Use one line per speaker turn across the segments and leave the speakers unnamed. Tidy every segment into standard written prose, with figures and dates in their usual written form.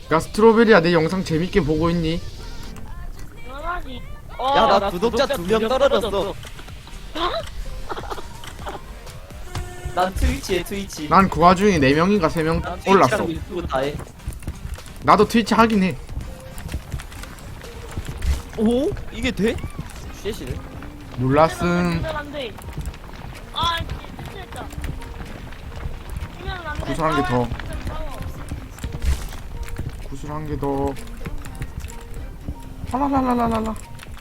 야 스트로베리야 내 영상 재밌게 보고 있니?
당연하지.
야, 나 구독자 2명 떨어졌어. 난 트위치에 트위치.
난 그 와중에 4명인가 3명
난
올랐어.
트위치랑 유튜브 다 해.
나도 트위치 하긴 해.
오? 이게 돼? 쉣이네.
몰랐음.
안 돼. 아, 진짜.
구슬 한 개 더. 구슬 한 개 더. 하라라라라라.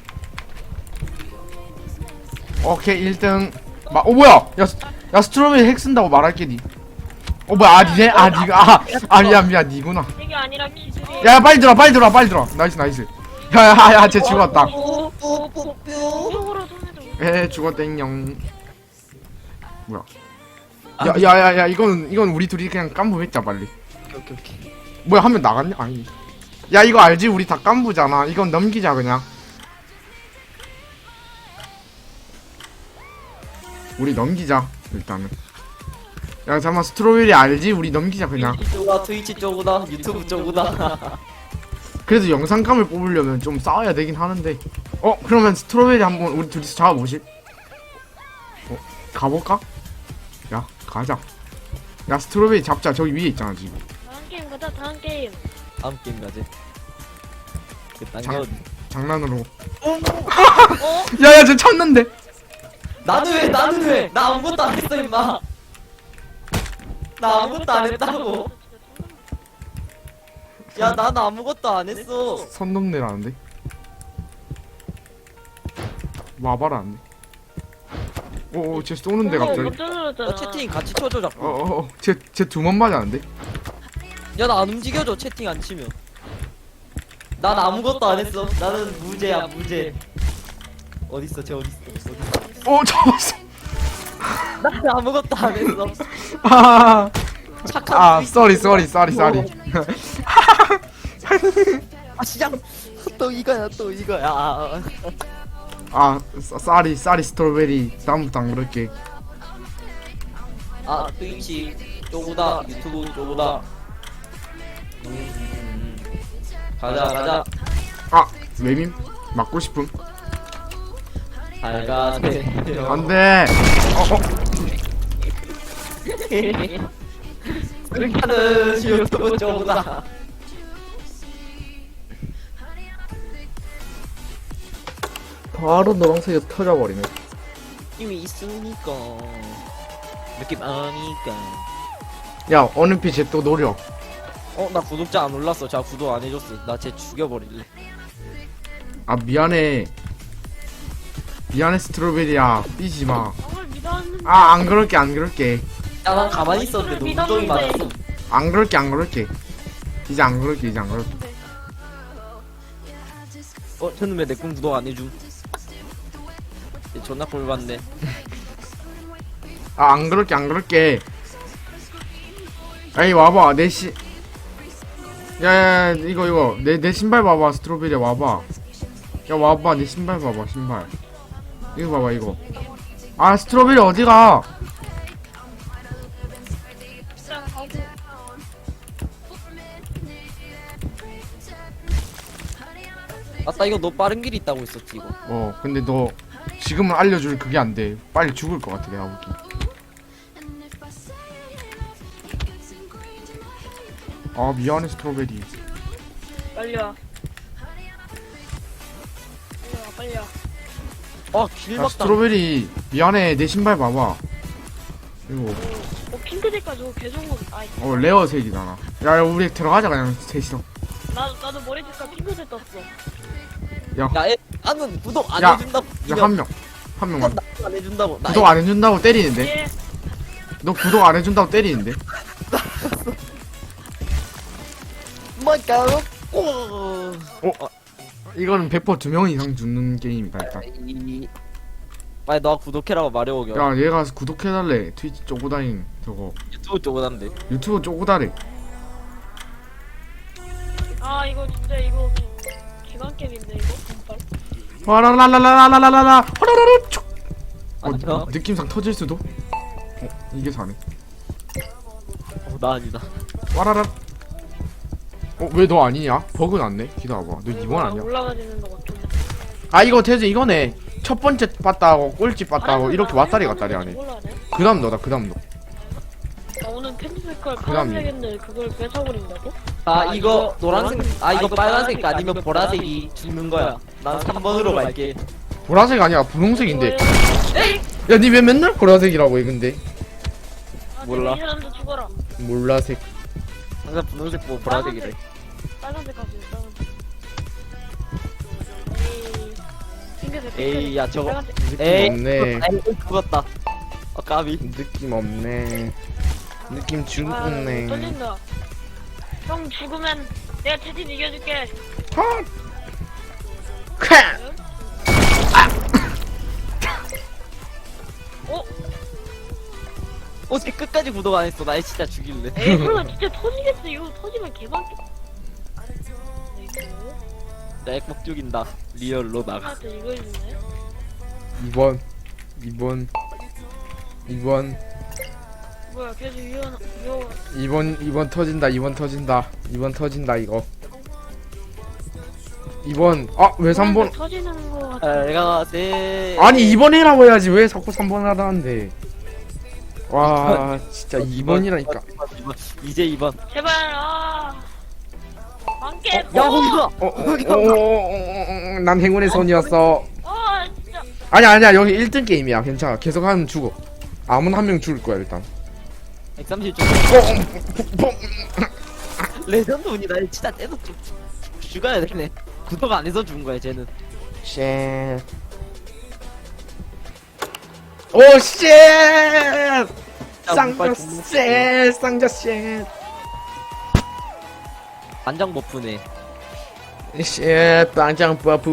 오케이 1등. 뭐야? 야 스트로베리 핵 쓴다고 말할게니. 뭐야 아니네? 니가 미안 니구나.
이게 아니라 기술이.
야 빨리 들어 나이스. 야야야 쟤 죽었다.
쪽으로 손해도.
죽었땡영. 뭐야? 야야야야 이건 우리 둘이 그냥 깐부 했자 빨리.
오케이.
뭐야 한 명 나갔냐? 아니. 야 이거 알지? 우리 다 깐부잖아. 이건 넘기자 그냥. 우리 넘기자 일단은. 야 잠깐만 스트로베리 알지? 우리 넘기자 그냥.
트위치 쪽으다, 유튜브 쪽으다.
그래도 영상감을 뽑으려면 좀 싸워야 되긴 하는데. 그러면 스트로베리 한번 우리 둘이서 잡아보실? 가볼까? 야 가자. 야 스트로베리 잡자. 저기 위에 있잖아 지금.
다음 게임 가자. 다음 게임.
다음 게임 가지.
장난으로.
어?
야야 쟤 찾는데.
나는 왜? 나 아무것도 안 했어 임마. 나 아무것도 안 했다고. 야, 난 아무것도 안 했어.
선 넘네라는데. 와봐라 안돼. 쟤 쏘는데 갑자기.
깜짝 놀랐잖아.
나 채팅 같이 쳐줘 자꾸.
쟤 두 번 맞았는데.
야, 나 안 움직여줘 채팅 안 치면. 난 아무것도 안 했어. 나는 무죄야 무죄. 어딨어 쟤 어딨어.
잡았어.
난 아무것도 안 했어. 착한
쏘리.
시장 또 이거야.
쏘리 스트로베리. 다음부터 안 그럴게.
트위치 쪼구다 유튜브 쪼구다. 가자.
외민 맞고 싶음.
잘 가세요.
안돼.
그렇게 하는 유튜브 쪼구다.
바로 노란색이 터져버리네.
이미 있으니까 느낌 아니까.
야 어느 빛에 또 노려.
나 구독자 안 올랐어. 자 구독 안 해줬어. 나 쟤 죽여버릴래.
미안해 스트로베리야 삐지마.
정말 믿었는데.
안 그럴게.
야, 난 가만히 있었는데 너 무정이 맞았어.
안 그럴게. 이제 안 그럴게.
저는 왜 내 꿈 구독 안 해줌? 얘 존나 꼴 받네.
안 그럴게. 에이 와봐 야야야 이거 내 신발 봐봐. 스트로베리 와봐. 야 와봐 내 신발 봐봐. 신발 이거 봐봐 이거. 스트로베리 어디가?
아따 이거 너 빠른 길 있다고 했었지 이거.
근데 너 지금은 알려줄 그게 안돼. 빨리 죽을 것 같아 내가 보기. 미안해 스트로베리.
빨리 와. 빨리 와.
길
야
막다.
스트로베리 미안해 내 신발 봐봐. 이거
핑크색 가지고 계속.
레어색이잖아. 야 우리 들어가자 그냥 셋이서.
나도 머리 색깔 핑크색 떴어.
나는 구독 안
야,
해준다고.
야 한 명만
안 해준다고.
구독 안 해준다고 때리는데.
예.
너 구독 안 해준다고 때리는데.
뭐가요?
이거는 100% 2명 이상 죽는 게임이다 일단.
빨리 너 구독해라고 말해오겨.
야 얘가 구독해달래. 트위치 쪼고다잉 저거.
유튜브 쪽으로한데.
유튜브 쪼고다래.
이거 진짜 이거 기관 게임인데 이거.
와라라라라라라라라 호라라라 촉.
아니야.
느낌상 터질 수도. 이게 사네.
나 아니다.
와라라. 왜 너 아니냐? 버그 났네. 기다려봐. 너 2번 아니야?
올라가지는 거 같은데.
아 이거 대체 이거네. 첫 번째 봤다고 꼴찌 봤다고 이렇게 왔다리 갔다리 하네. 그다음 너다. 그다음 너.
나 오늘 캔디 색깔
그다음
파란색인데 그걸 뺏어버린다고?
아 이거 노란색 이거 빨간색 아니면 보라색이 죽는 거야. 난 3번으로 갈게.
보라색 아니야. 분홍색인데.
에이!
야 니 왜 맨날 보라색이라고 해 근데?
몰라.
이 사람도 죽어라.
몰라색.
항상 분홍색 보고 보라색이래.
빨간색 가지, 빨간색. 에이. 핑크색,
에이
핑크색.
야 저거
빨간색.
에이
없네.
죽었다. 까비.
느낌 없네. 느낌
아,
죽었네.
떨린다. 형 죽으면 내가 채팅 이겨줄게.
헛! 쾌!
어?
어떻게 끝까지 구독 안 했어? 나 진짜 죽일래.
에이, 설마 진짜 터지겠어. 이거 터지면 개방기.
나 액박 죽인다. 리얼로 나가.
나한테 이거 해주네.
2번.
뭐야, 계속 위험.
2번 터진다. 2번 터진다 이거. 2번. 아, 왜 3번?
터지는 거 같아.
아, 내가 네.
아니 2번 해라고 해야지. 왜 자꾸 3번 하다는데. 와, 진짜 2번이라니까.
이제 2번.
제발, 아. 안깨.
야 거기서.
난 행운의 손이었어.
아, 진짜.
아니야. 여기 1등 게임이야. 괜찮아. 계속 하면 죽어. 아무나 한 명 죽을 거야, 일단.
130점. 레전드 운이 나 진짜 떼서 죽어야 되네. 구독 안 해서 죽은 거야 쟤는.
쉣. 오, 쉣! 쌍자 쉣! 쌍자 쉣!
반장 버프네.
쉣! 빵장 버프.